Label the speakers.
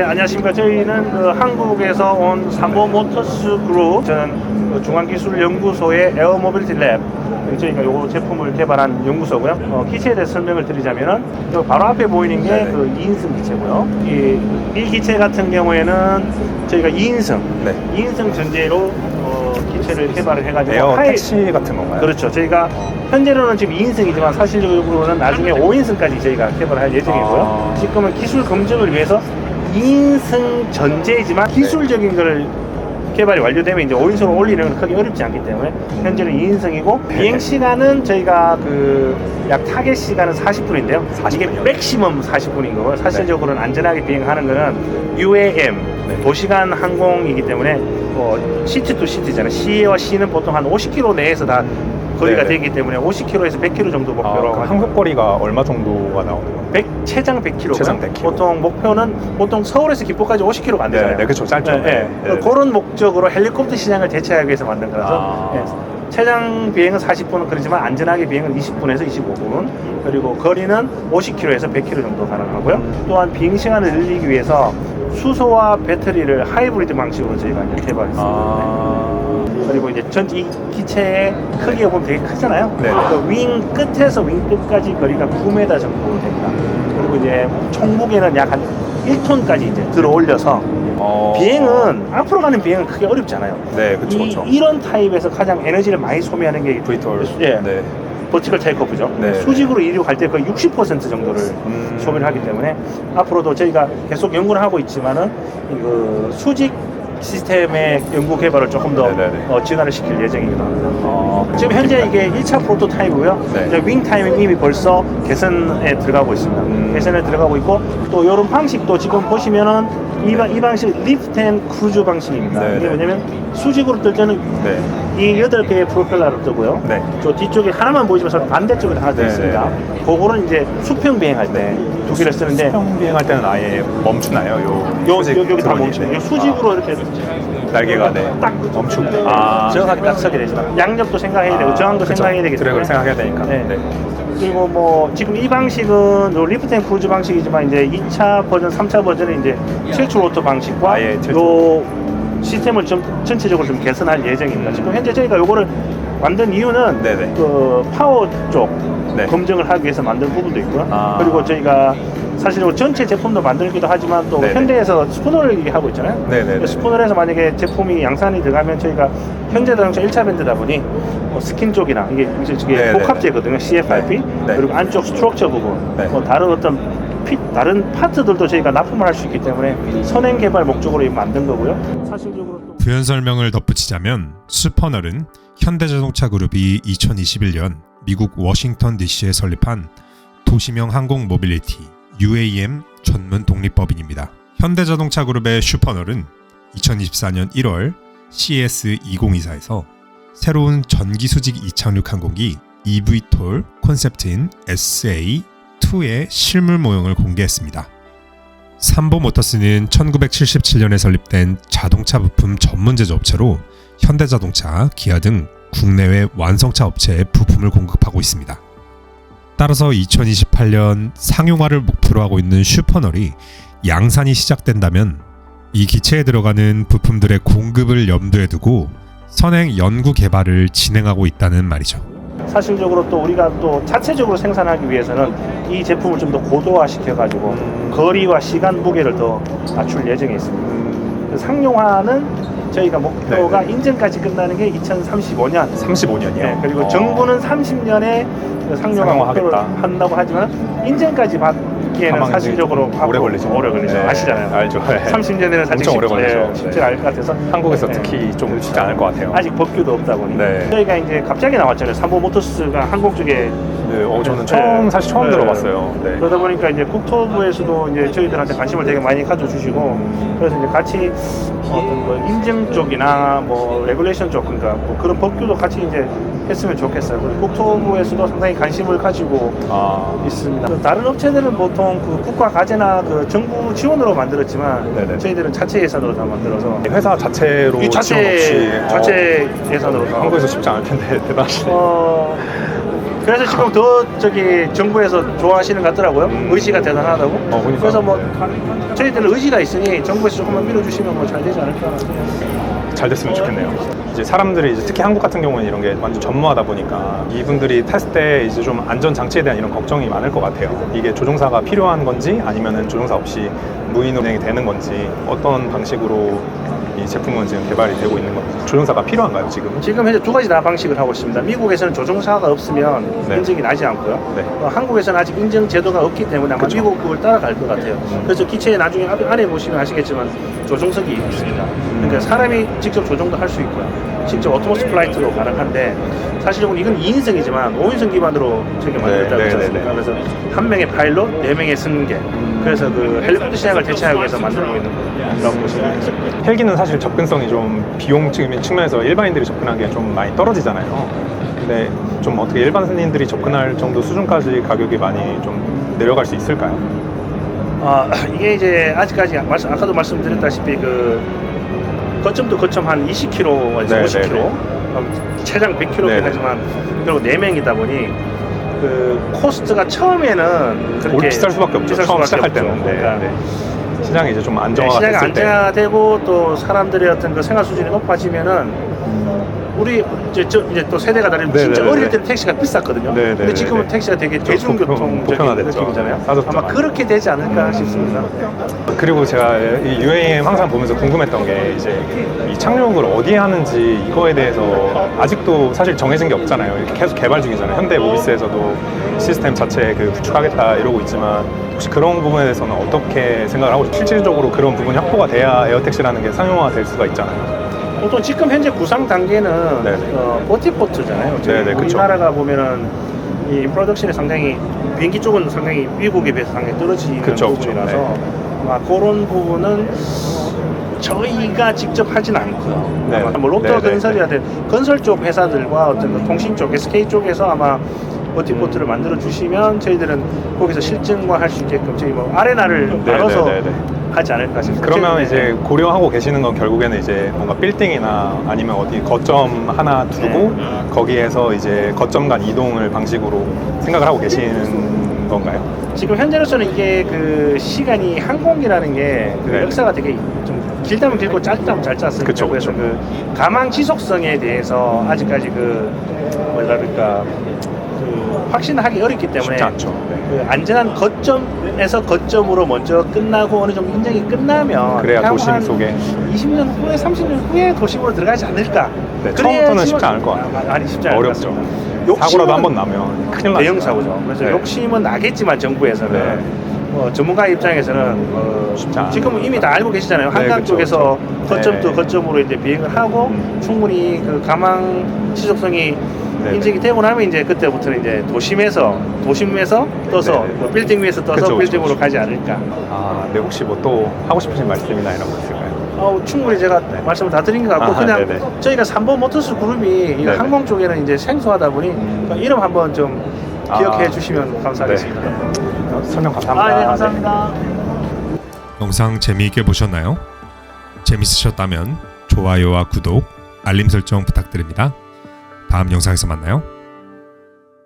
Speaker 1: 안녕하십니까. 저희는 한국에서 온 삼보 모터스 그룹, 저는 중앙기술연구소의 에어 모빌리티 랩, 저희가 요 제품을 개발한 연구소고요. 기체에 대해서 설명을 드리자면은 바로 앞에 보이는 게 그 2인승 기체고요. 이 기체 같은 경우에는 저희가 2인승, 2인승 전제로 기체를 개발을 해가지고
Speaker 2: 에어 택시 같은 건가요?
Speaker 1: 그렇죠. 저희가 현재로는 지금 2인승이지만 사실적으로는 나중에 5인승까지 저희가 개발을 할 예정이고요. 지금은 기술 검증을 위해서 2인승 전제이지만 기술적인 걸 개발이 완료되면 이제 5인승으로 올리는 건 크게 어렵지 않기 때문에 현재는 2인승이고 비행 시간은 저희가 약 타겟 시간은 40분인데요. 이게 맥시멈 40분인 거고요. 사실적으로는 안전하게 비행하는 거는 UAM 도시간 항공이기 때문에 시티 투 시티잖아요. C와 C는 보통 한 50km 내에서 다 거리가 되기 때문에 50km에서 100km 정도 목표로
Speaker 2: 한국 거리가 얼마 정도가 나오는 거예요?
Speaker 1: 최장 100km.
Speaker 2: 최장 100km.
Speaker 1: 보통 목표는 서울에서 김포까지 50km가 안 되잖아요.
Speaker 2: 네, 그렇죠. 짧죠.
Speaker 1: 그런 목적으로 헬리콥터 시장을 대체하기 위해서 만든 거라서 최장 비행은 40분은 그렇지만 안전하게 비행은 20분에서 25분, 그리고 거리는 50km에서 100km 정도 가능하고요. 또한 비행 시간을 늘리기 위해서 수소와 배터리를 하이브리드 방식으로 저희가 이제 개발했습니다. 그리고 이제 이 기체의 크기가 보면 되게 크잖아요. 윙 끝에서 윙 끝까지 거리가 9m 정도 됩니다. 그리고 이제 총무게는 약 한 1톤까지 이제 들어 올려서 비행은 앞으로 가는 비행은 크게 어렵지 않아요.
Speaker 2: 네, 그렇죠.
Speaker 1: 이런 타입에서 가장 에너지를 많이 소비하는 게
Speaker 2: VTOL.
Speaker 1: 버티컬 테이크오프죠. 수직으로 이륙할 때 거의 60% 정도를 소비를 하기 때문에 앞으로도 저희가 계속 연구를 하고 있지만은 그 수직 시스템의 연구 개발을 조금 더 진화를 시킬 예정이기도 합니다. 지금 현재 이게 1차 프로토타입이고요. 이제 윙 타임이 이미 벌써 개선에 들어가고 있습니다. 개선에 들어가고 있고 또 이런 방식도 지금 보시면은 이 방식 리프트 앤 크루즈 방식입니다. 이게 뭐냐면 수직으로 뜰 때는 이 8개의 프로펠러로 뜨고요. 저 뒤쪽에 하나만 보이지만 저 반대쪽에 하나 더 있습니다. 그거는 이제 수평 비행할 때 두 개를 쓰는데
Speaker 2: 수평 비행할 때는 아예 멈추나요?
Speaker 1: 여기 다 멈추죠. 수직으로 이렇게
Speaker 2: 날개가
Speaker 1: 딱 멈추고 정확하게 딱 서게 되죠. 양력도 생각해야 되고 저항도 생각해야 되기 때문에
Speaker 2: 드래그를 생각해야 되니까.
Speaker 1: 그리고 뭐 지금 이 방식은 리프트 앤 크루즈 방식이지만 이제 2차 버전, 3차 버전은 이제 틸트 로터 방식과 요 시스템을 좀 전체적으로 좀 개선할 예정입니다. 지금 현재 저희가 요거를 만든 이유는 그 파워 쪽 검증을 하기 위해서 만든 부분도 있고요. 그리고 저희가 사실 전체 제품도 만들기도 하지만 또 현대에서 스푸너를 얘기하고 있잖아요. 스푸너에서 만약에 제품이 양산이 들어가면 저희가 현대자동차 1차 밴드다 보니 스킨 쪽이나 이게 복합재거든요. CFRP 그리고 안쪽 스트럭처 부분 다른 어떤 다른 파트들도 저희가 납품을 할 수 있기 때문에 선행 개발 목적으로 만든 거고요. 사실적으로 또
Speaker 3: 부연 설명을 덧붙이자면 슈퍼널은 현대자동차 그룹이 2021년 미국 워싱턴 DC에 설립한 도시명 항공 모빌리티 UAM 전문 독립법인입니다. 현대자동차 그룹의 슈퍼널은 2024년 1월 CS2024에서 새로운 전기수직 이착륙 항공기 eVTOL 콘셉트인 SA2의 실물 모형을 공개했습니다. 삼보 모터스는 1977년에 설립된 자동차 부품 전문 제조업체로 현대자동차, 기아 등 국내외 완성차 업체에 부품을 공급하고 있습니다. 따라서 2028년 상용화를 목표로 하고 있는 슈퍼널이 양산이 시작된다면 이 기체에 들어가는 부품들의 공급을 염두에 두고 선행 연구 개발을 진행하고 있다는 말이죠.
Speaker 1: 사실적으로 또 우리가 또 자체적으로 생산하기 위해서는 이 제품을 좀 더 고도화 시켜가지고 거리와 시간 무게를 더 맞출 예정에 있습니다. 상용화는 저희가 목표가 인증까지 끝나는 게 2035년.
Speaker 2: 35년이요?
Speaker 1: 그리고 정부는 30년에 상용화 목표를 한다고 하지만 인증까지 받기에는 사실적으로
Speaker 2: 오래 걸리죠.
Speaker 1: 아시잖아요.
Speaker 2: 알죠.
Speaker 1: 30년에는 사실
Speaker 2: 엄청 오래 걸리죠.
Speaker 1: 쉽지 않을 것 같아서
Speaker 2: 한국에서 특히 좀 쉽지 않을 것 같아요.
Speaker 1: 아직 법규도 없다 보니 저희가 이제 갑자기 나왔잖아요. 삼보 모터스가 한국 쪽에
Speaker 2: 저는 사실 처음 들어봤어요.
Speaker 1: 그러다 보니까 이제 국토부에서도 이제 저희들한테 관심을 되게 많이 가져주시고 그래서 이제 같이 어떤 뭐 인증 쪽이나 뭐 레귤레이션 쪽 그러니까 뭐 그런 법규도 같이 이제 했으면 좋겠어요. 그리고 국토부에서도 상당히 관심을 가지고 있습니다. 다른 업체들은 보통 그 국가 과제나 그 정부 지원으로 만들었지만 저희들은 자체 예산으로 다 만들어서
Speaker 2: 회사 자체로 지원 없이
Speaker 1: 자체 예산으로
Speaker 2: 한국에서 쉽지 않을 텐데 대단하시네요.
Speaker 1: 그래서 지금 더 정부에서 좋아하시는 것 같더라고요. 의지가 대단하다고.
Speaker 2: 그러니까.
Speaker 1: 그래서 뭐 저희들은 의지가 있으니 정부에서 조금만 밀어주시면 뭐 잘 되지 않을까.
Speaker 2: 잘 됐으면 좋겠네요. 이제 사람들이 이제 특히 한국 같은 경우는 이런 게 완전 전무하다 보니까 이분들이 탔을 때 이제 좀 안전 장치에 대한 이런 걱정이 많을 것 같아요. 이게 조종사가 필요한 건지 아니면은 조종사 없이 무인 운행이 되는 건지 어떤 방식으로 이 제품은 지금 개발이 되고 있는 건지 조종사가 필요한가요 지금?
Speaker 1: 지금 현재 두 가지 다 방식을 하고 있습니다. 미국에서는 조종사가 없으면
Speaker 2: 네.
Speaker 1: 인증이 나지 않고요.
Speaker 2: 네.
Speaker 1: 한국에서는 아직 인증 제도가 없기 때문에 아마
Speaker 2: 그쵸.
Speaker 1: 미국 그걸 따라갈 것 같아요. 그래서 기체에 나중에 안에 보시면 아시겠지만 조종석이 있습니다. 그러니까 사람이 직접 조종도 할 수 있고요. 직접 오토모스 플라이트로 가능한데 사실은 이건 2인승이지만 5인승 기반으로 저게 만들었다고
Speaker 2: 네,
Speaker 1: 했지
Speaker 2: 네,
Speaker 1: 않습니까?
Speaker 2: 네, 네.
Speaker 1: 그래서 한 명의 파일럿, 4명의 승객. 그래서 그 헬리콥터 시장을 대체하기 위해서 만들고 있는 거라고 보시면 됩니다.
Speaker 2: 헬기는 사실 접근성이 좀 비용 측면에서 일반인들이 접근하기에 좀 많이 떨어지잖아요. 근데 좀 어떻게 일반인들이 접근할 정도 수준까지 가격이 많이 좀 내려갈 수 있을까요?
Speaker 1: 이게 이제 아직까지 아까도 말씀드렸다시피 그 거점도 거점 한 20km에서
Speaker 2: 네,
Speaker 1: 50km,
Speaker 2: 네, 네.
Speaker 1: 최장 100km긴
Speaker 2: 네, 네.
Speaker 1: 하지만 그리고 4명이다 보니 그 코스트가 처음에는 그렇게
Speaker 2: 비쌀 수밖에 없죠.
Speaker 1: 비쌀
Speaker 2: 처음
Speaker 1: 수밖에
Speaker 2: 시작할
Speaker 1: 없죠.
Speaker 2: 때는. 네,
Speaker 1: 그러니까
Speaker 2: 네. 시장이 이제 좀 안정화가
Speaker 1: 시장이
Speaker 2: 됐을 때.
Speaker 1: 안정화되고 또 사람들의 어떤 그 생활 수준이 높아지면은 우리 이제 또 세대가 다르면
Speaker 2: 네,
Speaker 1: 진짜
Speaker 2: 네,
Speaker 1: 어릴
Speaker 2: 네.
Speaker 1: 때는 택시가 비쌌거든요.
Speaker 2: 네, 네,
Speaker 1: 근데
Speaker 2: 네,
Speaker 1: 지금은
Speaker 2: 네.
Speaker 1: 택시가 되게 대중교통적인
Speaker 2: 보편화됐죠.
Speaker 1: 느낌이잖아요.
Speaker 2: 싸졌죠,
Speaker 1: 아마
Speaker 2: 많이.
Speaker 1: 그렇게 되지 않을까 싶습니다.
Speaker 2: 그리고 제가 이 UAM 항상 보면서 궁금했던 게 이제 이 착륙을 어디에 하는지 이거에 대해서 아직도 사실 정해진 게 없잖아요. 이렇게 계속 개발 중이잖아요. 현대 모비스에서도 시스템 자체 그 구축하겠다 이러고 있지만 혹시 그런 부분에 대해서는 어떻게 생각을 하고 실질적으로 그런 부분이 확보가 돼야 에어택시라는 게 상용화될 수가 있잖아요.
Speaker 1: 보통 지금 현재 구상 단계는
Speaker 2: 네네.
Speaker 1: 버티포트잖아요. 저희
Speaker 2: 네네, 그쵸.
Speaker 1: 우리나라가 보면은 이 인프로덕션이 상당히 비행기 쪽은 상당히 미국에 비해서 상당히 떨어지는
Speaker 2: 그쵸,
Speaker 1: 부분이라서
Speaker 2: 그쵸.
Speaker 1: 아마 그런 부분은 저희가 직접 하진 않고요.
Speaker 2: 네.
Speaker 1: 아마 뭐 롯데
Speaker 2: 네네.
Speaker 1: 건설이라든 건설 쪽 회사들과 어떤 그 통신 쪽 SK 쪽에서 아마 버티포트를 만들어 주시면 저희들은 거기서 실증과 할 수 있게끔 저희 뭐 아레나를 나눠서
Speaker 2: 네네네네.
Speaker 1: 하지 않을까 싶습니다.
Speaker 2: 그러면
Speaker 1: 저희-
Speaker 2: 이제 고려하고 계시는 건 결국에는 이제 뭔가 빌딩이나 아니면 어디 거점 하나 두고 거기에서 이제 거점 간 이동을 방식으로 생각을 하고 계시는 건가요?
Speaker 1: 지금 현재로서는 이게 그 시간이 항공기라는 게 그
Speaker 2: 네.
Speaker 1: 역사가 되게 좀 길다면 길고 짧다면 짧지 않습니까?
Speaker 2: 그쵸,
Speaker 1: 그래서
Speaker 2: 그쵸.
Speaker 1: 그 가망 지속성에 대해서 아직까지 그 뭐라 그럴까 그 확신하기 어렵기 때문에
Speaker 2: 쉽지 않죠. 네.
Speaker 1: 그 안전한 거점에서 거점으로 먼저 끝나고 어느 정도 인정이 끝나면
Speaker 2: 그래야
Speaker 1: 향후
Speaker 2: 도심
Speaker 1: 한
Speaker 2: 속에
Speaker 1: 20년 후에 30년 후에 도심으로 들어가지 않을까?
Speaker 2: 네,
Speaker 1: 그래야지만-
Speaker 2: 처음부터는 쉽지 않을 것 같아요.
Speaker 1: 아니 쉽지 않을 것
Speaker 2: 어렵죠.
Speaker 1: 같습니다.
Speaker 2: 사고라도 한 번 나면 큰일 나죠.
Speaker 1: 대형 사고죠. 그래서
Speaker 2: 네.
Speaker 1: 욕심은 나겠지만 정부에서는
Speaker 2: 네.
Speaker 1: 전문가 입장에서는
Speaker 2: 쉽지 않아요.
Speaker 1: 지금 이미 다 알고 계시잖아요.
Speaker 2: 네,
Speaker 1: 한강
Speaker 2: 그쵸,
Speaker 1: 쪽에서
Speaker 2: 그쵸.
Speaker 1: 거점 또
Speaker 2: 네.
Speaker 1: 거점으로 이제 비행을 하고 충분히 그 가망 지속성이
Speaker 2: 네.
Speaker 1: 인증이 되고 나면 이제 그때부터는 이제 도심에서 떠서
Speaker 2: 네.
Speaker 1: 뭐 빌딩 위에서 떠서
Speaker 2: 그쵸, 그쵸,
Speaker 1: 빌딩으로
Speaker 2: 그쵸.
Speaker 1: 가지 않을까.
Speaker 2: 네, 혹시 뭐 또 하고 싶으신 말씀이나 이런 거 있을까요?
Speaker 1: 충분히 제가 말씀을 다 드린 것 같고
Speaker 2: 아하,
Speaker 1: 그냥
Speaker 2: 네네.
Speaker 1: 저희가 3번 모터스 그룹이 이
Speaker 2: 네네.
Speaker 1: 항공 쪽에는 이제 생소하다 보니 이름 한번 좀 기억해 주시면 감사하겠습니다.
Speaker 2: 설명 감사합니다.
Speaker 1: 네, 감사합니다.
Speaker 3: 영상 재미있게 보셨나요? 재밌으셨다면 좋아요와 구독, 알림 설정 부탁드립니다. 다음 영상에서 만나요.